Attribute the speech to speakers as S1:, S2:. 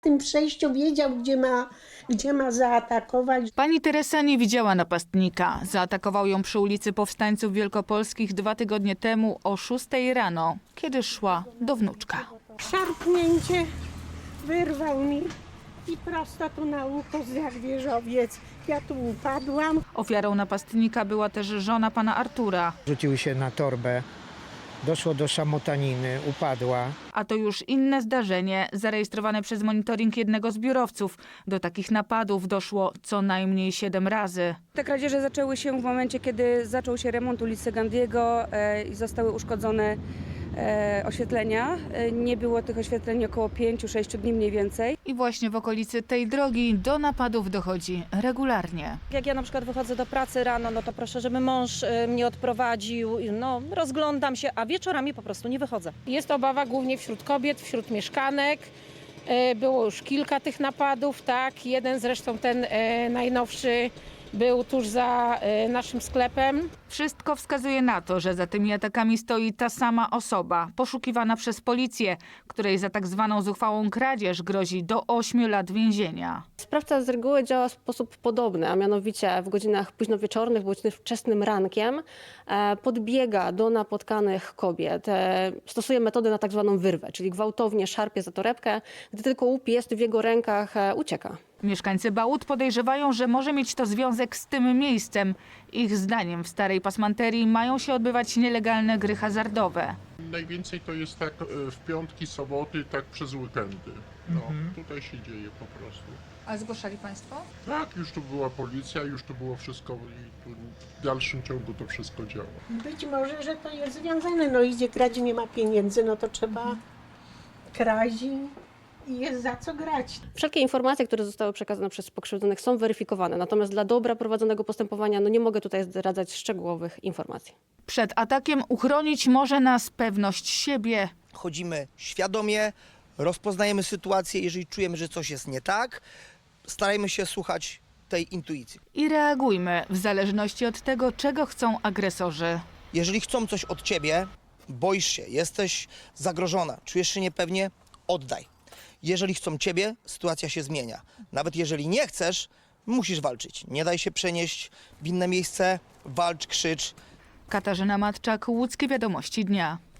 S1: W tym przejściu wiedział, gdzie ma zaatakować.
S2: Pani Teresa nie widziała napastnika. Zaatakował ją przy ulicy Powstańców Wielkopolskich 2 tygodnie temu o 6 rano, kiedy szła do wnuczka.
S1: Szarpnięcie wyrwał mi i prosto tu na ucho jak wieżowiec. Ja tu upadłam.
S2: Ofiarą napastnika była też żona pana Artura.
S3: Rzucił się na torbę, doszło do szamotaniny, upadła.
S2: A to już inne zdarzenie, zarejestrowane przez monitoring jednego z biurowców. Do takich napadów doszło co najmniej 7 razy.
S4: Te kradzieże zaczęły się w momencie, kiedy zaczął się remont ulicy Gandiego i zostały uszkodzone oświetlenia. Nie było tych oświetleń około 5-6 dni mniej więcej.
S2: I właśnie w okolicy tej drogi do napadów dochodzi regularnie.
S5: Jak ja na przykład wychodzę do pracy rano, no to proszę, żeby mąż mnie odprowadził, no rozglądam się, a wieczorami po prostu nie wychodzę.
S6: Jest obawa głównie wśród kobiet, wśród mieszkanek. Było już kilka tych napadów, tak. Jeden zresztą ten najnowszy był tuż za naszym sklepem.
S2: Wszystko wskazuje na to, że za tymi atakami stoi ta sama osoba, poszukiwana przez policję, której za tak zwaną zuchwałą kradzież grozi do 8 lat więzienia.
S7: Sprawca z reguły działa w sposób podobny, a mianowicie w godzinach późnowieczornych bądź wczesnym rankiem podbiega do napotkanych kobiet. Stosuje metodę na tak zwaną wyrwę, czyli gwałtownie szarpie za torebkę. Gdy tylko łup jest w jego rękach, ucieka.
S2: Mieszkańcy Bałut podejrzewają, że może mieć to związek z tym miejscem. Ich zdaniem w Starej Pasmanterii mają się odbywać nielegalne gry hazardowe.
S8: Najwięcej to jest tak w piątki, soboty, tak przez weekendy. No, tutaj się dzieje po prostu.
S9: A zgłaszali państwo?
S8: Tak, już tu była policja, już tu było wszystko i tu w dalszym ciągu to wszystko działa.
S1: Być może, że to jest związane. No idzie grać, nie ma pieniędzy, no to trzeba kraść i jest za co grać.
S7: Wszelkie informacje, które zostały przekazane przez pokrzywdzonych, są weryfikowane. Natomiast dla dobra prowadzonego postępowania nie mogę tutaj zdradzać szczegółowych informacji.
S2: Przed atakiem uchronić może nas pewność siebie.
S10: Chodzimy świadomie, rozpoznajemy sytuację, jeżeli czujemy, że coś jest nie tak, starajmy się słuchać tej intuicji.
S2: I reagujmy w zależności od tego, czego chcą agresorzy.
S10: Jeżeli chcą coś od ciebie, boisz się, jesteś zagrożona, czujesz się niepewnie, oddaj. Jeżeli chcą ciebie, sytuacja się zmienia. Nawet jeżeli nie chcesz, musisz walczyć. Nie daj się przenieść w inne miejsce, walcz, krzycz.
S2: Katarzyna Matczak, Łódzkie Wiadomości Dnia.